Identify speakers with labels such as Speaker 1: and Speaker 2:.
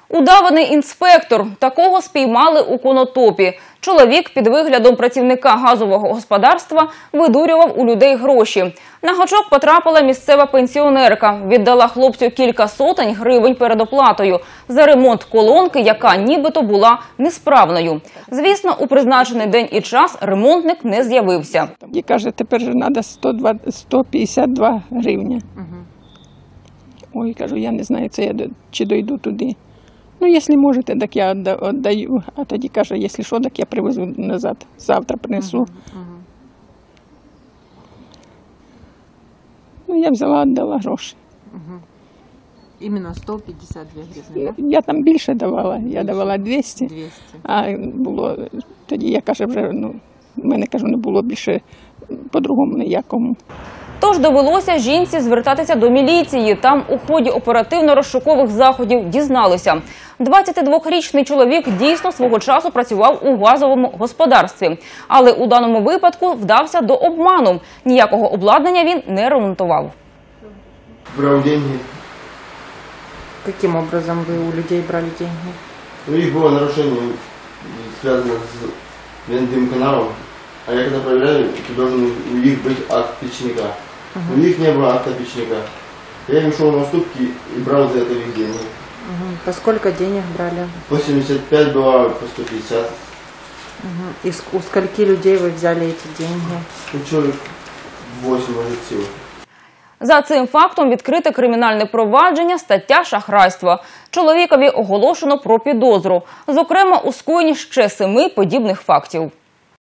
Speaker 1: Удаваний інспектор. Такого спіймали у Конотопі. Чоловік під виглядом працівника газового господарства видурював у людей гроші. На гачок потрапила місцева пенсіонерка. Віддала хлопцю кілька сотень гривень передоплатою за ремонт колонки, яка нібито була несправною. Звісно, у призначений день і час ремонтник не з'явився.
Speaker 2: І каже, тепер же треба 152 гривні. Ой, кажу, я не знаю, це я чи дойду туди. Ну, якщо можете, так я віддаю. А тоді каже, якщо що, так я привезу назад. Завтра принесу. Ну, я взяла, віддала гроші.
Speaker 3: Іменно 152 гривні, так?
Speaker 2: Я там більше давала. Я давала 200. А було, тоді я, каже, вже, в мене, кажу, не було більше по-другому ніякому.
Speaker 1: Тож довелося жінці звертатися до міліції. Там у ході оперативно-розшукових заходів дізналися. 22-річний чоловік дійсно свого часу працював у газовому господарстві. Але у даному випадку вдався до обману. Ніякого обладнання він не ремонтував.
Speaker 4: Брав деньги.
Speaker 3: Яким образом ви у людей брали деньги?
Speaker 4: У них було нарушення, зв'язане з вендим каналом. А я когда проверяю, то должен у них быть акт печника. У них не было акта печника. Я им шел на уступки и брал за это их деньги.
Speaker 3: По сколько денег брали?
Speaker 4: По 75 было, по 150.
Speaker 3: И у скольки людей вы взяли эти деньги?
Speaker 4: Ну, человек 8, может, всего.
Speaker 1: За цим фактом відкрите кримінальне провадження, стаття шахрайства. Чоловікові оголошено про підозру. Зокрема, у скоєнні ще 7 подібних фактів.